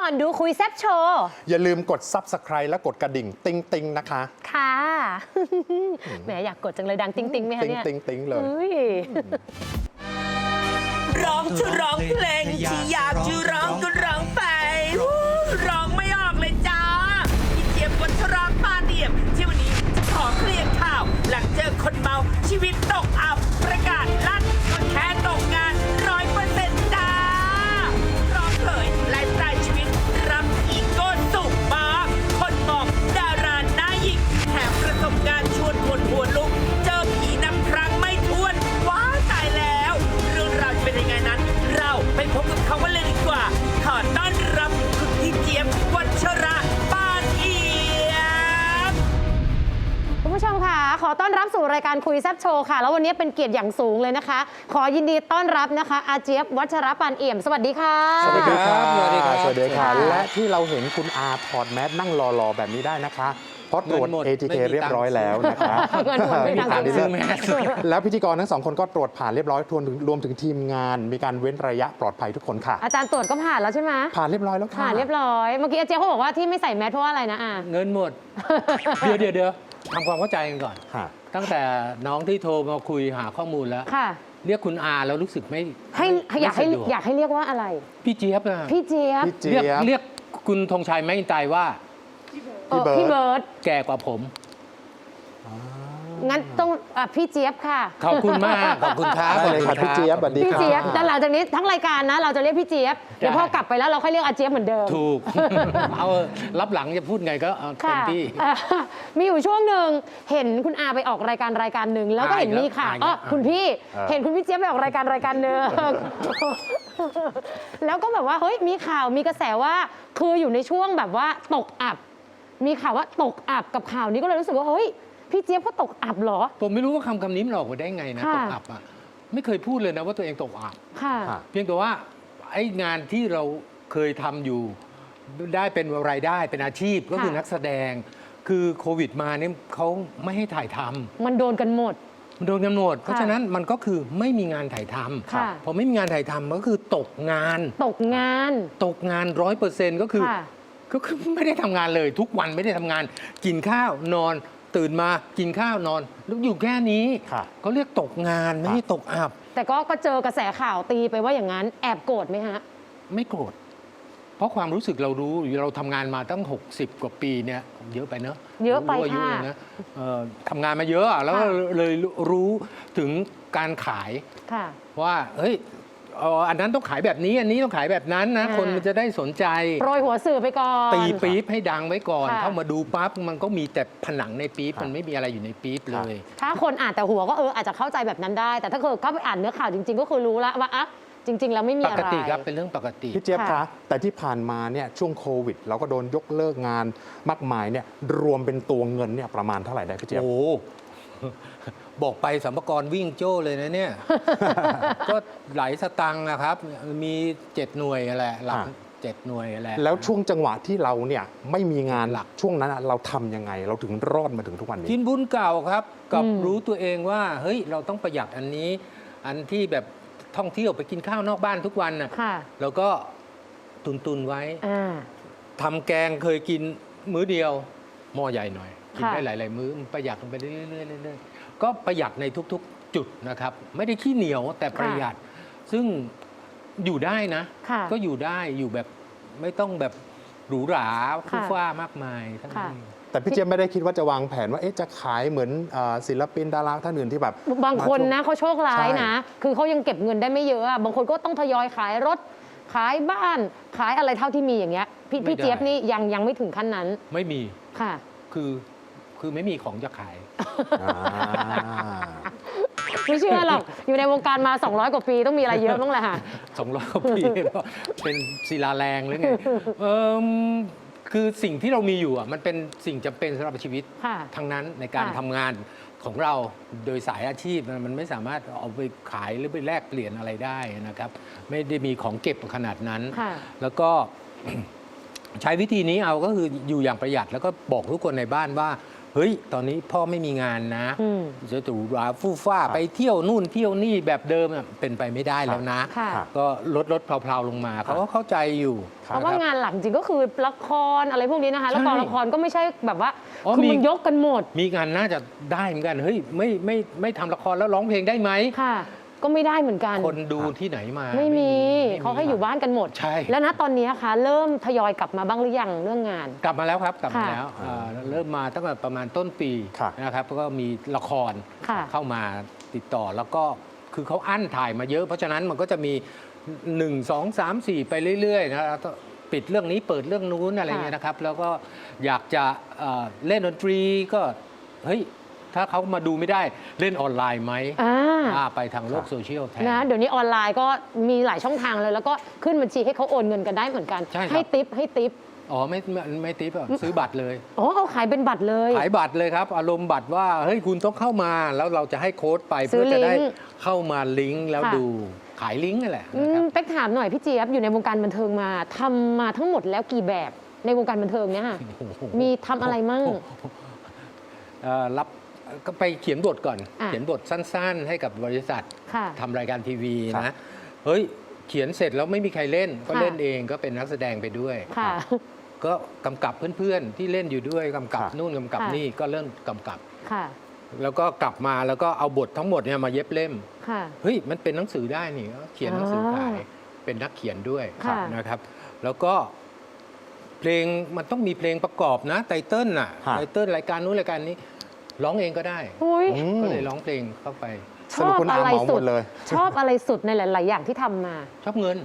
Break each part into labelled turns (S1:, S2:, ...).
S1: อนดูคุยแซบโชว์
S2: อย่าลืมกด Subscribe และกดกระดิ่งติ๊งติ๊งนะคะ
S1: ค่ะแหมอยากกดจังเลยดังติ๊งติ๊งไหมคะเนี่ย
S2: ติ๊งติ๊งเลย
S3: ร้องจะร้องเพลงที่อยากจะร้องก็ร้องไปร้องไม่ออกเลยจ้าพี่เจี๊ยบวัชราปาเดี่ยมที่วันนี้จะขอเคลียร์ข่าว หลังเจอคนเมาชีวิตตกอับประกาศลั่นก็แค่ตกงาน100%จ้าพร้อมเผยไลฟ์สไตล์ชีวิตรับอีโก้สูงมากคนมองดาราหน้าหยิกแถมประสบการณ์ชวนคนหัวลุกเจอผีนับครั้งไม่ถ้วนว้าตายแล้วเรื่องราวจะเป็นยังไงนั้น เราไปพบกับเขากันเลยดีกว่าขอต้อนรับคุณพี่เจี๊ยบวัชระปานเอี่ยม
S1: คุณผู้ชมค่ะขอต้อนรับสู่รายการคุยแซบโชว์ค่ะแล้ววันนี้เป็นเกียรติอย่างสูงเลยนะคะ ขอยินดีต้อนรับนะคะอาเจี๊ยบวัชรปานเอี่ยมสวัสดีค่ะ
S2: สวัสดีครับ
S4: สวัสดีครับ
S2: สวัสดีค่ะ
S1: ค่ะ
S2: และที่เราเห็นคุณอาถอดแมสนั่งรอๆแบบนี้ได้นะคะ เพราะตรวจ
S4: เงินหมด
S2: ATK
S4: ไม่มีตังค์
S2: เรียบร้อยแล้วนะคะ
S1: เงินหมดไม่มีตังค์
S2: ที่
S4: ซื้
S2: เลื
S4: อ
S2: อก
S4: แมส
S2: แล้วพิธีกรทั้งสองคนก็ตรวจผ่านเรียบร้อยรวมถึงทีมงาน มีการเว้นระยะปลอดภัยทุกคนค่ะ
S1: อาจารย์ตรวจก็ผ่านแล้วใช่ไหม
S2: ผ่านเรียบร้อยแล้วค่ะ
S1: ผ่านเรียบร้อยเมื่อกี้อาเจี๊ยบเขาบอกว่าที่ไม่ใส่แมสเพราะว่าอะไรนะอา
S4: เงินหมด เดี๋ยวทำความเข้าใจกันก่อน
S2: ค่ะ
S4: ตั้งแต่น้องที่โทรมาคุยหาข้อมูลแล้ว
S1: ค่ะ
S4: เรียกคุณอาแล้วรู้สึกไม่
S1: ให้อยากให้
S4: ไม่สะดว
S1: อยากให้เรียกว่าอะไร
S4: พี่เจี๊ยบอะ
S1: พี่เจี๊ยบ
S2: พี่เจี๊ยบ
S4: เรียกคุณธงชัยแม่อินไตว่า
S1: พี่เบิร์ด
S4: แก่กว่าผม
S1: งั้นต้องพี่เจี๊ยบค่ะ
S4: ขอบคุณมากขอบคุณครับ
S2: ได้เลยค่ะพี่เจี๊ยบสวัสดี
S1: พี่
S2: ค่ะ
S1: เจี๊ยบแต่หลังจากนี้ทั้งรายการนะ เราจะเรียกพี่เจี๊ยบเดี๋ยวพอกลับไปแล้วเราค่อยเรียกอาเจี๊ยบเหมือนเดิม
S4: ถูก เอารับหลังจะพูดไงก็เอาเต็
S1: ค่ะ
S4: มที่
S1: มีอยู่ช่วงหนึ่งเห็นคุณอาไปออกรายการหนึ่งแล้วก็เห็นมีข่าว
S4: อีกแล้ว
S1: คุณพี่เห็นคุณพี่เจี๊ยบไปออกรายการหนึ่ง แล้วก็แบบว่าเฮ้ยมีข่าวมีกระแสว่าคืออยู่ในช่วงแบบว่าตกอับ มีข่าวว่าตกอับกับข่าวนี้ก็เลยรู้สึกว่าเฮ้ยพี่เจี๊ยบเขาตกอับเหรอ
S4: ผมไม่รู้ว่าคำนี้มันออกมาได้ไงนะ
S1: ค่ะ
S4: ตกอับอะไม่เคยพูดเลยนะว่าตัวเองตกอับ
S1: ค่ะ
S2: ค่ะ
S4: เพียงแต่ว่าไอ้งานที่เราเคยทำอยู่ได้เป็นรายได้เป็นอาชีพก็คือ
S1: ค่ะ
S4: นักแสดง คือโควิดมาเนี่ยเขาไม่ให้ถ่ายทำ
S1: มันโดนกันหมด
S4: มันโดนกำหนดเพราะฉะนั้นมันก็คือไม่มีงานถ่ายท
S1: ค่ะ
S4: ำพอไม่มีงานถ่ายทำก็คือตกงาน
S1: ตกงาน
S4: 100%ก็คือ
S1: ค่ะ
S4: ก็คือไม่ได้ทำงานเลย ทุกวันไม่ได้ทำงาน กินข้าวนอน ตื่นมากินข้าวนอนแล้วอยู่แค่นี้
S2: ค่ะ
S4: เขาเรียกตกงานไม่ใช่ตกอับ
S1: แต่ก็เจอกระแสข่าวตีไปว่าอย่างนั้นแอบโกรธไหมฮะ
S4: ไม่โกรธ เพราะความรู้สึกเรารู้เราทำงานมาตั้ง 60 กว่าปีเนี่ยเยอะไปเนอะ
S1: เยอะไป
S4: รู้อายุ
S1: ค่ะ
S4: เลยนะทำงานมาเยอะอะแล้ว
S1: ค่ะ
S4: เลยรู้ถึงการขาย
S1: ค่ะ
S4: ว่าเฮ้ยอันนั้นต้องขายแบบนี้อันนี้ต้องขายแบบนั้นนะ
S1: อ่า
S4: คนมันจะได้สนใจ
S1: โปรยหัวสื่อไปก่อน
S4: ตีปี๊บให้ดังไว้ก่อน
S1: ค่ะ
S4: เข้ามาดูปั๊บมันก็มีแต่ผนังในปี๊บมันไม่มีอะไรอยู่ในปี๊บเลย
S1: ถ้าคนอ่านแต่หัวก็อาจจะเข้าใจแบบนั้นได้ แต่ถ้าเกิดเข้าไปอ่านเนื้อข่าวจริง ๆ ก็คือรู้แล้วว่าอ่ะจริง ๆ แล้วไม่มี
S4: ป
S1: อะ
S4: ก
S1: ไร
S4: ติครับเป็นเรื่องปกติ
S2: พี่เจี๊ยบ
S1: ค่ะ
S2: คะแต่ที่ผ่านมาเนี่ยช่วงโควิด เราก็โดนยกเลิกงานมากมายเนี่ยรวมเป็นตัวเงินเนี่ยประมาณเท่าไหร่ได้พี่เจี๊ยบ
S4: โอ้ บอกไปสัมภาระวิ่งโจ้เลยนะเนี่ย ก็หลายสตังค์นะครับ มี7หน่วยแหละหลัก
S2: อ่า
S4: 7หน่วยแหละ
S2: แล้วช่วงจังหวะที่เราเนี่ยไม่มีงาน
S4: หลัก
S2: ช่วงนั้นอะเราทำยังไง เราถึงรอดมาถึงทุกวันนี้
S4: กินบุญเก่าครับ กับ
S1: อืม
S4: รู้ตัวเองว่าเฮ้ยเราต้องประหยัดอันนี้ อันที่แบบท่องเที่ยวไปกินข้าวนอกบ้านทุกวันน่ะ
S1: ค่ะ
S4: แล้วก็ตุนไว้
S1: อ่า
S4: ทำแกงเคยกินมื้อเดียวหม้อใหญ่หน่อย กิน
S1: ค่ะ
S4: ได้หลาย ๆ มื้อมันประหยัดลงไปเรื่อยๆเรื่อยๆก็ประหยัดในทุก ๆ จุดนะครับ ไม่ได้ขี้เหนียวแต่ประหยัด ซึ่งอยู่ได้นะ
S1: ค่ะ
S4: ก็อยู่ได้อยู่แบบไม่ต้องแบบหรูหราฟุ่
S1: ค่ะ
S4: ฟ้ามากมายทั้ง
S1: ค่ะ
S4: นี้
S2: แต่พี่เจี๊ยบไม่ได้คิดว่าจะวางแผนว่าเอ๊ะจะขายเหมือนศิลปินดาราท่านอื่นที่แบบ
S1: บางคนนะเขาโชคร้ายนะ
S2: ใช่
S1: คือเขายังเก็บเงินได้ไม่เยอะอะบางคนก็ต้องทยอยขายรถ ขายบ้าน ขายอะไรเท่าที่มีอย่างเงี้ย พี่เจี๊ยบนี่ยังไม่ถึงขั้นนั้น
S4: ไม่มี
S1: ค่ะ
S4: คือไม่มีของจะขาย
S2: อ่า
S1: ไม่เชื่อหรอก อยู่ในวงการมา 200 กว่าปีต้องมีอะไรเยอะบ้างแหละค่ะ
S4: 200 กว่าปี เป็นศิลาแรงหรือไงคือสิ่งที่เรามีอยู่อ่ะมันเป็นสิ่งจำเป็นสำหรับชีวิต
S1: ค่ะ
S4: ทั้งนั้นในการ
S1: ค่ะ
S4: ทำงานของเราโดยสายอาชีพมันไม่สามารถเอาไปขายหรือไปแลกเปลี่ยนอะไรได้นะครับ ไม่ได้มีของเก็บขนาดนั้น
S1: ค่ะ
S4: แล้วก็ ใช้วิธีนี้เอาก็คืออยู่อย่างประหยัดแล้วก็บอกทุกคนในบ้านว่าเฮ้ยตอนนี้พ่อไม่มีงานนะ
S1: อืม
S4: จะถูหราฟู่ฟ้าไปเที่ยวนู่นเที่ยวนี่แบบเดิมน่ะเป็นไปไม่ได้แล้วนะ
S1: ค่ะ
S4: ก็ลดเพลาๆลงมาเขาก็เข้าใจอยู่
S1: เพราะว่างานหลักจริงก็คือละครอะไรพวกนี้นะคะ แล้ว
S4: ใช่
S1: กองละครก็ไม่ใช่แบบว่า
S4: อ๋อ
S1: คือ
S4: มี
S1: มันยกกันหมด
S4: มีงานน่าจะได้เหมือนกันเฮ้ยไม่ทำละครแล้วร้องเพลงได้ไหม
S1: ค่ะ ก็ไม่ได้เหมือนกัน
S4: คนดูที่ไหนมา
S1: ไม่มี
S4: ไม่
S1: เขาให้อยู่บ้านกันหมด
S4: ใช่
S1: แล้วนะตอนนี้คะเริ่มทยอยกลับมาบ้างหรือยังเรื่องงาน
S4: กลับมาแล้วครับกลับมา
S1: ค่ะ
S4: แล้วเริ่มมาตั้งแต่ประมาณต้นปี
S2: ครับ
S4: นะครับแล้วก็มีละคร
S1: ค่ะ
S4: เข้ามาติดต่อแล้วก็คือเขาอั้นถ่ายมาเยอะ เพราะฉะนั้นมันก็จะมี 1 2 3 4 ไปเรื่อยๆนะแล้วก็ปิดเรื่องนี้เปิดเรื่องนู้นอะไรเงี้ยนะครับ แล้วก็อยากจะเล่นดนตรีก็เฮ้ยถ้าเขามาดูไม่ได้เล่นออนไลน์ไหม ไปทางโลกโซเชียลแทน
S1: นะเดี๋ยวนี้ออนไลน์ก็มีหลายช่องทางเลย แล้วก็ขึ้นบัญชีให้เขาโอนเงินกันได้เหมือนกัน
S4: ใช่ครับ
S1: ให้ติป
S4: อ๋อไม่ติ๊บอะซื้อบัตรเลย
S1: อ๋อเขาขายเป็นบัตรเลย
S4: ขายบัตรเลยครับ อารมณ์บัตรว่าเฮ้ยคุณต้องเข้ามาแล้วเราจะให้โค้ดไป
S1: ซื้
S4: เพื่
S1: อ
S4: อจะได้
S1: ลิงก์
S4: เข้ามาลิงก์แล้ว
S1: ค่ะ
S4: ดูขายลิงก์นั่นแหละนะครับ
S1: เป๊กถามหน่อยพี่เจี๊ยบอยู่ในวงการบันเทิงมาทำมาทั้งหมดแล้วกี่แบบในวงการบันเทิงเนี่ยค่ะมีทำอะไรมั่ง
S4: รับก็ไปเขียนบทก่อน
S1: อ่ะ
S4: เขียนบทสั้นๆ ให้กับบริษัท
S1: ค่ะ
S4: ทำรายการทีวี
S2: ครั
S4: นะ
S2: บ
S4: เฮ้ยเขียนเสร็จแล้วไม่มีใครเล่น ก็
S1: ค่ะ
S4: เล่นเองก็เป็นนักแสดงไปด้วย
S1: ค่ะ
S4: ก็กำกับเพื่อนๆที่เล่นอยู่ด้วยกำกับ
S2: ค่ะ
S4: นู่นกำกับ
S1: ค่ะ
S4: นี่ก็เริ่มกำกับ
S1: ค่ะ
S4: แล้วก็กลับมาแล้วก็เอาบททั้งหมดเนี่ยมาเย็บเล่ม
S1: ค่ะ
S4: เฮ้ยมันเป็นหนังสือได้นี่ก็เขียนหนังสือขาย
S1: อ๋อ
S4: เป็นนักเขียนด้วย
S1: ค่ะ
S4: นะครับ แล้วก็เพลงมันต้องมีเพลงประกอบนะไตเติ้ลน่ะ
S2: ค่ะ
S4: ไตเติ้ลรายการนู้นรายการนี้ร้องเองก็ได้
S1: อุ้ย
S2: อืม
S4: ก็เลยร้องเพลงเข้าไป
S1: ช
S2: สรุ
S1: อ
S2: ป
S1: บ
S2: คุณอา
S1: อะไร
S2: เหมาห
S1: สุ
S2: ม
S1: ด
S2: ดเลย
S1: ชอบอะไรสุดในหลาย ๆ อย่างที่ทำมา
S4: ชอบเงิน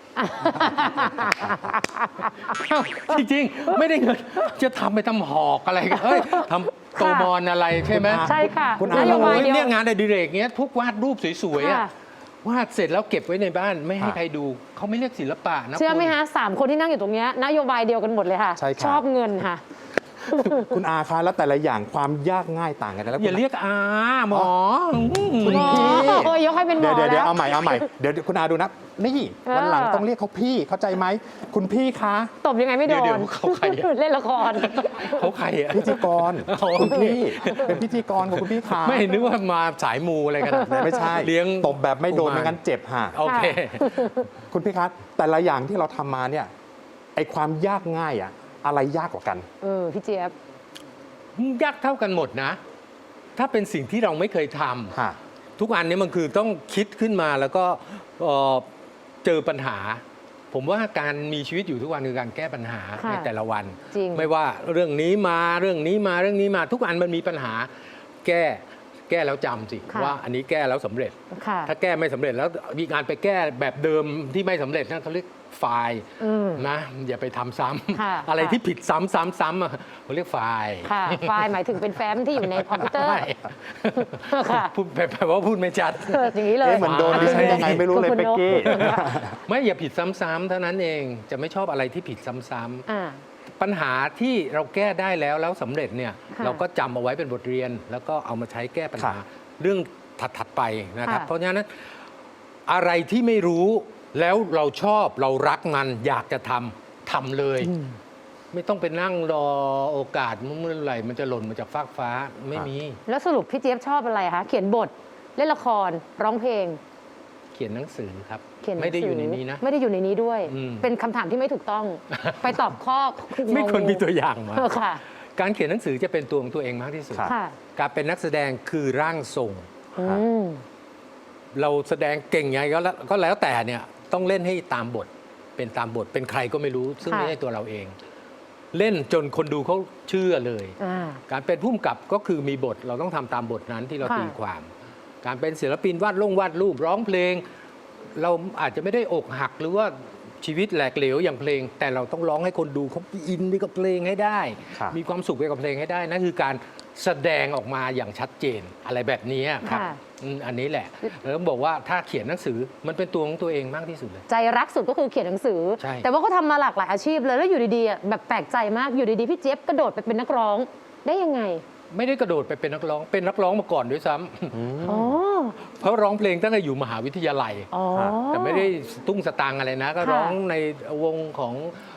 S4: จริงๆ ไม่ได้เงิน จะทำไปทำหอกอะไรกันเอ้ยทำโตมอนอะไรใช่ไหม
S2: คุณอา
S1: ใช่ค่ะ
S2: คุณอา
S1: นโยบาย
S4: โอ้ย
S1: เดียว
S4: เนี่ยงานอดิเรกเนี้ยทุกวาดรูปสวยๆอะ
S1: ค่ะ
S4: วาดเสร็จแล้วเก็บไว้ในบ้านไม่ให้
S2: ค่ะ
S4: ใครดูเขาไม่เรียกศิลปะนะ
S1: เชื่อไหม
S4: คุณ
S1: ฮะ3 คนที่นั่งอยู่ตรงเนี้ยนโยบายเดียวกันหมดเลยค่ะ
S2: ใช่ครับ
S1: ชอบเงินค่ะ
S2: คุณอาคะแล้วแต่ละอย่างความยากง่ายต่างกันนะแล้ว
S4: อย่าเรียกอาหมอ
S2: คุณ
S1: หมอ
S2: พี่
S1: โอ้ยยกให้เป็นหมอ
S2: เดี๋ยว
S1: แล้ว
S2: เอาใหม่เดี๋ยวคุณอาดูนะนี่
S1: เออ
S2: วันหลังต้องเรียกเขาพี่เข้าใจไหมคุณพี่คะ
S1: ตบยังไงไม่โด
S4: เดี๋ย
S1: น
S4: วเขาใครอะ
S1: เล่นละคร
S4: เขาใครอะ
S2: พิธีกร
S4: อ๋อ
S2: คุณพี่เป็นพิธีกรของคุณพี่คะ
S4: ไม่นึกว่ามาสายมูอะไรกันนะ
S2: ไม่ใช่
S4: เลี้ยง
S2: ตบแบบไม่โดน
S4: กุมาร
S2: ไม่งั้นเจ็บฮะ
S4: โอเค
S2: คุณพี่คะแต่ละอย่างที่เราทำมาเนี่ยไอความยากง่ายอะอะไรยากกว่ากัน
S1: พี่เจี๊ยบ
S4: ยากเท่ากันหมดนะ ถ้าเป็นสิ่งที่เราไม่เคยทำ
S2: ฮะ
S4: ทุกอันนี้มันคือต้องคิดขึ้นมาแล้วก็เจอปัญหา ผมว่าการมีชีวิตอยู่ทุกวันคือการแก้ปัญหา
S1: ค่ะ
S4: ในแต่ละวัน
S1: จริง
S4: ไม่ว่าเรื่องนี้มาเรื่องนี้มาเรื่องนี้มา ทุกอันมันมีปัญหา แก้แล้วจำสิ
S1: ค่ะ
S4: ว่าอันนี้แก้แล้วสำเร็จ
S1: ค่ะ
S4: ถ้าแก้ไม่สำเร็จแล้วมีการไปแก้แบบเดิมที่ไม่สำเร็จนั่นเขาเรียกไฟล์
S1: อืม
S4: นะอย่าไปทำซ้
S1: ค่ะ
S4: ำอะไร
S1: ค่ะ
S4: ที่ผิดซ้ำๆอะเขาเรียกไฟล์
S1: ค่ะ ไฟล์หมายถึงเป็นแฟ้มที่อยู่ในคอมพิวเตอร์
S4: ไม่
S1: ค่ะ
S4: พูดแปลว่าพูดไม่ชัด
S1: อย่างนี้เลย
S2: เอ๊ะเหมือนโดนดิฉันยังไงไม่รู้เลย
S1: คุณ
S2: เป๊กกี้
S1: นก
S4: ไม่อย่าผิดซ้ำๆเท่านั้นเองจะไม่ชอบอะไรที่ผิดซ้ำ
S1: อ่า
S4: ๆปัญหาที่เราแก้ได้แล้วสำเร็จเนี่ย
S1: ค่ะ
S4: เราก็จำเอาไว้เป็นบทเรียน แล้วก็เอามาใช้แก้ปัญหา
S2: ค่ะ
S4: เรื่องถัดๆไปนะครับ
S1: ค่ะ
S4: เพราะฉะนั้นอะไรที่ไม่รู้แล้วเราชอบเรารักมันอยากจะทำเลย ไม่ต้องไปนั่งรอโอกาสเมื่อไหร่มันจะหล่นมาจากฟากฟ้าไม่มี
S1: แล้วสรุปพี่เจี๊ยบชอบอะไรคะ เขียนบท เล่นละคร ร้องเพลง
S4: เขียนหนังสือครับ
S1: เขียนหนัง
S4: ไม่ได้
S1: สื
S4: อยู่ในนี้นะ
S1: ไม่ได้อยู่ในนี้ด้วย
S4: อืม
S1: เป็นคำถามที่ไม่ถูกต้อง ไปตอบข้อ
S4: ไม่ควรมีตัวอย่างมา
S1: ค่ะ
S4: การเขียนหนังสือจะเป็นตัวของตัวเองมากที่สุด
S2: ครับ
S1: ค่ะ
S4: การเป็นนักแสดงคือร่างทรง
S1: อืม
S4: เราแสดงเก่งไงก็แล้วแต่เนี่ยต้องเล่นให้ตามบท เป็นตามบทเป็นใครก็ไม่รู้ ซึ่ง
S1: ค่ะ
S4: ไม่ใช่ตัวเราเอง เล่นจนคนดูเขาเชื่อเลย
S1: อ่า
S4: การเป็นผู้กำกับก็คือมีบทเราต้องทำตามบทนั้นที่เรา
S1: ค่ะ
S4: ตีความ การเป็นศิลปินวาดรูปร้องเพลง เราอาจจะไม่ได้อกหักหรือว่าชีวิตแหลกเหลวอย่างเพลง แต่เราต้องร้องให้คนดูเขาอินไปกับเพลงให้ได้
S2: ครับ
S4: มีความสุขไปกับเพลงให้ได้นั่นคือการแสดงออกมาอย่างชัดเจนอะไรแบบนี้ครับ
S1: ค่ะ
S4: อันนี้แหละแล้วบอกว่าถ้าเขียนหนังสือมันเป็นตัวของตัวเองมากที่สุดเลย
S1: ใจรักสุดก็คือเขียนหนังสือ
S4: ใช่
S1: แต่ว่าเขาทำมาหลากหลายอาชีพเลยแล้วอยู่ดีๆอ่ะแบบแปลกใจมากอยู่ดีๆพี่เจี๊ยบกระโดดไปเป็นนักร้องได้ยังไง
S4: ไม่ได้กระโดดไปเป็นนักร้องเป็นนักร้องมาก่อนด้วยซ้ำ
S1: อ๋อ
S4: เพราะร้องเพลงตั้งแต่อยู่มหาวิทยาลัย
S1: อ๋อ
S4: แต่ไม่ได้ตุ้งสตางค์อะไรนะ ก็
S1: ค่ะ
S4: ร้องในวงของ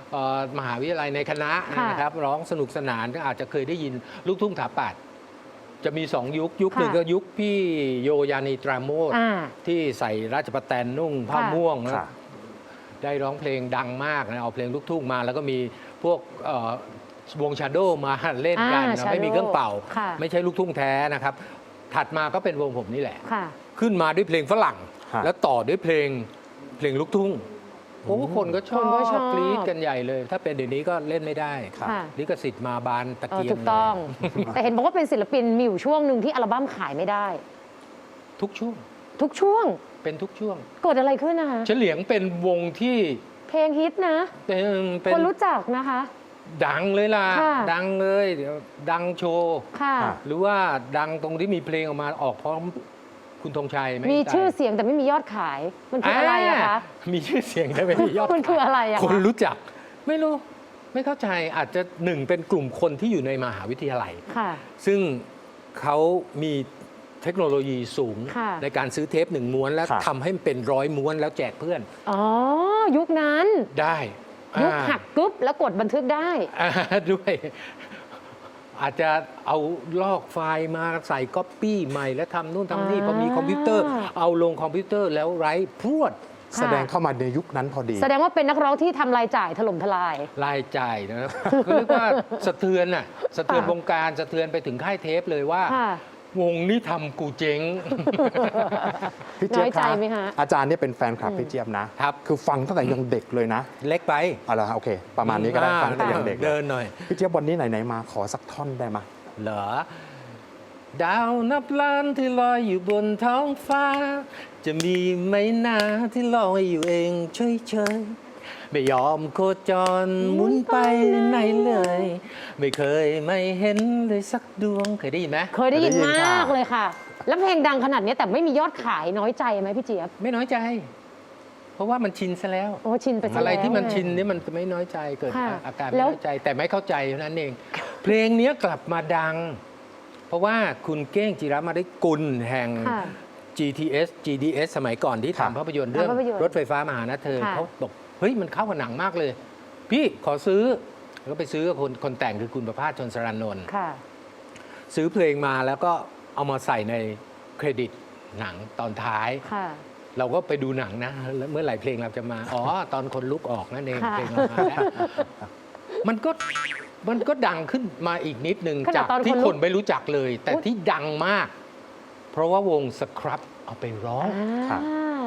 S4: มหาวิทยาลัยในคณะ
S1: ค่ะ
S4: นะครับร้องสนุกสนานก็อาจจะเคยได้ยินลูกทุ่งถาปัดจะมี 2 ยุคหนึ่ง
S1: ค่ะ
S4: ก็ยุคพี่โยยานีตราโมท
S1: อ่า
S4: ที่ใส่ราชประแตนนุ่งผ้า
S1: ค่ะ
S4: ม่วงนะ
S2: ค่ะ
S4: ได้ร้องเพลงดังมากนะเอาเพลงลูกทุ่งมา แล้วก็มีพวกวงชาโดมาเล่นกัน
S1: อ่า
S4: นะ
S1: Shadow
S4: ไม่มีเครื่องเป่า
S1: ค่ะ
S4: ไม่ใช่ลูกทุ่งแท้นะครับ ถัดมาก็เป็นวงผมนี่แหละ
S1: ค่ะ
S4: ขึ้นมาด้วยเพลงฝรั่ง
S2: ค่ะ
S4: แล้วต่อด้วยเพลงลูกทุ่งโอ้คนก็ชอ
S1: คนก็ชอ
S4: บบ กรี๊ดกันใหญ่เลย ถ้าเป็นเดี๋ยวนี้ก็เล่นไม่ได้
S2: ค่ะ
S4: ลิขสิทธิ์มาบานตะเกียง
S1: ถูกต้อง
S4: เลย
S1: แต่เห็นบอกว่าเป็นศิลปินมีอยู่ช่วงหนึ่งที่อัลบั้มขายไม่ได้
S4: ทุกช่วง
S1: ทุกช่วง
S4: เป็นทุกช่วง
S1: เกิดอะไรขึ้นนะคะ
S4: เฉลียงเป็นวงที่
S1: เพลงฮิตนะ
S4: เป็น
S1: คนรู้จักนะคะ
S4: ดังเลยล่ะ
S1: ค่ะ
S4: ดังเลยเดี๋ยวดังโชว์
S1: ค่ะ
S2: ค่ะ
S4: หรือว่าดังตรงที่มีเพลงออกมาออกพร้อมคุณธงชัยไห
S1: มีชื่อเสียงแต่ไม่มียอดขาย มันคืออะไรอะคะ
S4: มีชื่อเสียงแต่ไม่มียอด
S1: มันคืออะไรอะคะ
S4: คนรู้จัก ไม่รู้ ไม่เข้าใจอาจจะหนึ่งเป็นกลุ่มคนที่อยู่ในมหาวิทยาลัย
S1: ค่ะ
S4: ซึ่งเขามีเทคโนโลยีสูง
S1: ค่ะ
S4: ในการซื้อเทป1 ม้วนแล้ว
S2: ค่ะ
S4: ทำให้มันเป็น100 ม้วนแล้วแจกเพื่อน
S1: อ๋อ ยุคนั้น
S4: ได้
S1: ยุคหักกึ๊บแล้วกดบันทึกได้
S4: ด้วย อาจจะเอาลอกไฟล์มาใส่ก๊อปปี้ใหม่ แล้วทำนู่นทำนี่พอมีคอมพิวเตอร์ เอาลงคอมพิวเตอร์แล้วไร้พรวด
S2: แสดงเข้ามาในยุคนั้นพอดี
S1: แสดงว่าเป็นนักร้องที่ทำรายจ่ายถล่มทลาย
S4: รายจ่ายนะครับ ก็เรียกว่าสะเทือนน่ะสะเทือนวงการสะเทือนไปถึงค่ายเทปเลยว่า
S1: ค่ะ
S4: วงนี้ทำกูเจ๊ง
S2: พี่เจี๊ยบ
S1: น้อยใจไหมคะ
S2: อาจารย์เนี่ยเป็นแฟนคลับพี่เจี๊ยบนะครับ คือฟังตั้งแต่ยังเด็กเลยนะ
S4: เล็กไป
S2: เอาละโอเค ประมาณนี้ก็ได้ฟังตั้งแต่ยังเด็ก
S4: เดินหน่อย
S2: พี่เจี๊ยบวันนี้ไหนๆมาขอสักท่อนได้ไหม
S4: เหรอ ดาวนับล้านที่ลอยอยู่บนท้องฟ้า จะมีไหมนาที่ลอยอยู่เองเฉยๆไม่ยอมโคจรหมุนไปไหนเลย ไม่เคยไม่เห็นเลยสักดวงเคยได้ยินไหม
S1: เคยได้ยิน
S2: เคยได้ยิน
S1: มาก
S2: ค่ะ
S1: เลยค่ะ แล้วเพลงดังขนาดนี้แต่ไม่มียอดขายน้อยใจไหมพี่เจี๊ยบ
S4: ไม่น้อยใจ เพราะว่ามันชินซะแล้ว
S1: โอ้ชินไปซะ
S4: อะไร
S1: แล้ว
S4: ที่มัน
S1: ไง
S4: ชินนี่มันจะไม่น้อยใจเกิด
S1: ค่ะ
S4: อาการ
S1: แล้
S4: ไม่
S1: ว
S4: น้อยใจแต่ไม่เข้าใจเท่านั้นเอง เพลงนี้กลับมาดัง เพราะว่าคุณเก้งจิรมาได้กุลแห่ง
S1: ค่ะ
S4: GDS สมัยก่อนที่
S2: ค่ะ
S4: ทำภาพยนตร์เรื่อง
S1: ภาพยนตร์
S4: รถไฟฟ้ามาหานะเธอ
S1: ค่ะ
S4: เขาบอกเฮ้ยมันเข้ากับหนังมากเลย พี่ขอซื้อแล้วก็ไปซื้อกับคนแต่งคือคุณประภาสชนสรานนท์
S1: ค่ะ
S4: ซื้อเพลงมาแล้วก็เอามาใส่ในเครดิตหนังตอนท้าย
S1: ค่ะ
S4: เราก็ไปดูหนังนะแล้วเมื่อไหร่เพลงเราจะมา อ๋อ ตอนคนลุกออกนั่นเอง
S1: ค่ะ
S4: เพลงเรามาแล้วมันก็ดังขึ้นมาอีกนิดนึง
S1: ขนาด
S4: จาก
S1: ตอน
S4: ที่
S1: คนลุก
S4: คนไม่รู้จักเลย แต่
S1: อุ๊ย
S4: ที่ดังมาก เพราะว่าวงสครับเอาไปร้อง
S1: อ่า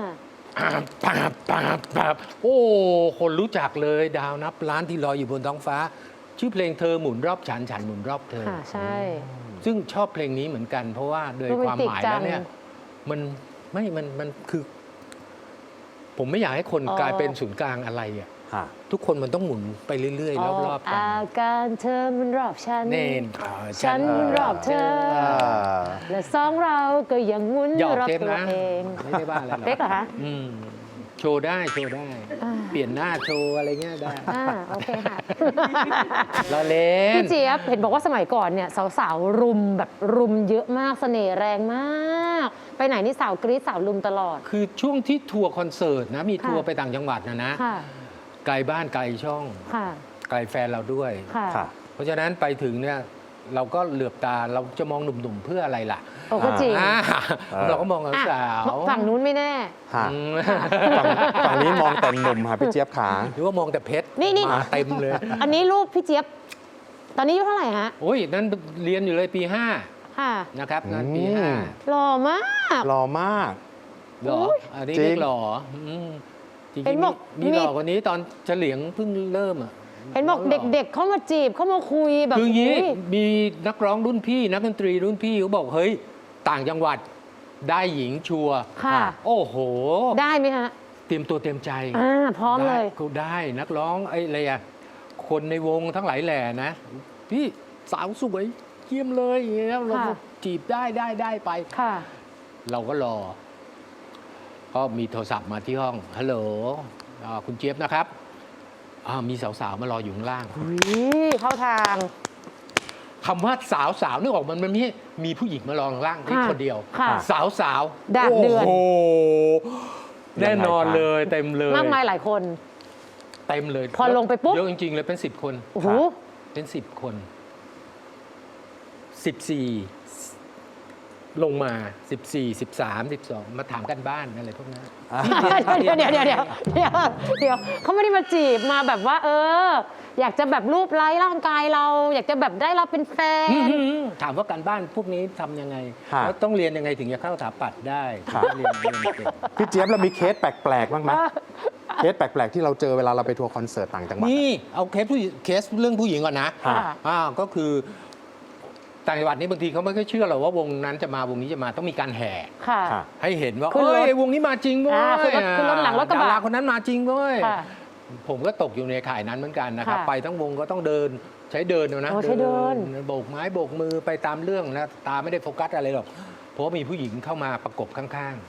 S4: ปาบโอ้ คนรู้จักเลยดาวนับล้านที่ลอยอยู่บนท้องฟ้า ชื่อเพลงเธอหมุนรอบฉันฉันหมุนรอบเธอ
S1: ค่ะ ใช่
S4: ซึ่งชอบเพลงนี้เหมือนกัน เพราะว่าโดย
S1: โรแมนติก
S4: ความหมายแล้วเนี่ย
S1: จั
S4: มันคือ ผมไม่อยากให้คน
S1: อ๋อ
S4: กลายเป็นศูนย์กลางอะไรอ่ะ
S2: ค่ะ
S4: ทุกคนมันต้องหมุนไปเรื่อยๆ รอบๆกัน
S1: อาการเธอมันรอบฉัน
S4: เน่น
S1: ฉันมันรอบเธอ และสองเราก็ยังหมุน
S4: หยอก
S1: รอบ
S4: เทป
S1: ตัว
S4: นะ
S1: เอง
S4: ไม่ได้บ้าอะไรหรอก
S1: เป๊กเหรอคะ
S4: อืมโชว์ได้
S1: อ่า
S4: เปลี่ยนหน้าโชว์อะไรเงี้ยได้
S1: โอเคค่ะ
S4: เราเล่น
S1: พี่เจี๊ยบเห็นบอกว่าสมัยก่อนเนี่ยสาวๆรุมแบบรุมเยอะมากเสน่ห์แรงมาก ไปไหนนี่สาวกรี๊ดสาวรุมตลอด
S4: คือช่วงที่ทัวร์คอนเสิร์ตนะ มีทัวร์
S1: ค่ะ
S4: ไปต่างจังหวัดนะ
S1: ค่ะ
S4: ไกลบ้านไกลช่อง
S1: ค่ะ
S4: ไกลแฟนเราด้วย
S1: ค่ะ
S2: ค่ะ
S4: เพราะฉะนั้นไปถึงเนี่ยเราก็เหลือบตาเราจะมองหนุ่มๆเพื่ออะไรล่ะ
S1: โอ้ก็จริง
S4: อ่า
S2: เออ
S4: เราก็มอง
S1: อ่ะ
S4: สาว
S1: ฝั่งนู้นไม่แน่
S2: ค่ะ
S4: อืม
S2: ฝั่งนี้มองแต่หนุ่มค่ะพี่เจี๊ยบขา
S4: หรือว่ามองแต่เพชร
S1: นี่
S4: มาเต็มเลย
S1: อันนี้รูปพี่เจี๊ยบ ตอนนี้อายุเท่าไหร่ฮะ
S4: โอ้ยนั่นเรียนอยู่เลยปี
S1: ค่ะ
S4: 5 นะครับนั่นปี
S2: อืม
S1: หล่อมาก
S2: หล่อมาก
S4: 5หล่ออันนี้
S2: จริง
S4: เรียกหล่อจริง
S1: เห็น
S4: ๆ
S1: บอก
S4: มีหล่อกว่านี้ตอนเฉลียงเพิ่งเริ่มอ่ะ
S1: เห็นบอกเด็กๆเข้ามาจีบเข้ามาคุยแบบ
S4: คืออย่างนี้
S1: อุ๊ย
S4: มีนักร้องรุ่นพี่นักดนตรีรุ่นพี่เขาบอกเฮ้ยต่างจังหวัดได้หญิงชัวร์
S1: ค่ะ
S4: โอ้โห
S1: ได้ไหมฮะ
S4: เตรียมตัวเตรียมใจ
S1: พร้อมเลย
S4: ได้ก็ได้นักร้องไอ้อะไรอะคนในวงทั้งหลายแหล่นะ พี่สาวสวยเยี่ยมเลยอย่างเงี้ยเรา
S1: ค่ะ
S4: จีบได้ไป
S1: ค่ะ
S4: เราก็รอ ก็มีโทรศัพท์มาที่ห้องฮัลโหลคุณเจี๊ยบนะครับมีสาวๆมารออยู่ข้างล่าง
S1: เข้าทาง
S4: คำว่าสาวนึกออกมันไม่ใช่มีผู้หญิงมารอข้างล่างที่
S1: ค่ะ
S4: คนเดียว
S1: ค่ะ
S4: สาว
S1: ดาดเดือด
S4: โอ้โหแน่นอนเลยเต็มเลย
S1: มากมายหลายคน
S2: ป
S4: เต็มเลย
S1: พอลงไปปุ๊บ
S4: เยอะจริงๆเลยเป็น10 คน
S1: โอ้โห
S4: เป็น10 คน14ลงมา14 13 12มาถามกันบ้านอะไรพวกนั้น
S1: เดี๋ยวเขาไม่ได้มาจีบมาแบบว่า อยากจะแบบรูปไล้ร่างกายเรา อยากจะแบบได้เราเป็นแฟน
S4: ถามว่าการบ้านพวกนี้ทำยังไง
S2: ครับ
S4: แล้วต้องเรียนยังไงถึงจะเข้าสถาปัตย์ได้
S2: ครับ
S4: เรียนเก่ง
S2: พี่เจี๊ยบเรามีเคสแปลกๆบ้างไหมเคสแปลกๆที่เราเจอเวลาเราไปทัวร์คอนเสิร์ตต่างจังหวัด
S4: นี่เอาเคสเรื่องผู้หญิงก่อนนะ
S2: ค่ะ
S4: ก็คือต่างจังหวัดนี้บางทีเขาไม่ค่อยเชื่อหรอกว่าวงนั้นจะมาวงนี้จะมาต้องมีการแห่
S1: ค่ะ
S2: ค่ะ
S4: ให้เห็นว่า
S1: ขึ้นรถ
S4: เอ้ยวงนี้มาจริงเว้ย
S1: ขึ้นรถหลังรถกระบะ
S4: ดาราคนนั้นมาจริงเว้ย
S1: ค่ะ
S4: ผมก็ตกอยู่ในข่ายนั้นเหมือนกันนะครับ
S1: ค่ะ
S4: ไปทั้งวงก็ต้องเดินใช้เดินเอานะ
S1: อ๋อใช้เดิน
S4: โบกไม้โบกมือไปตามเรื่องนะตาไม่ได้โฟกัสอะไรหรอกเพราะว่ามีผู้หญิงเข้ามาประกบข้าง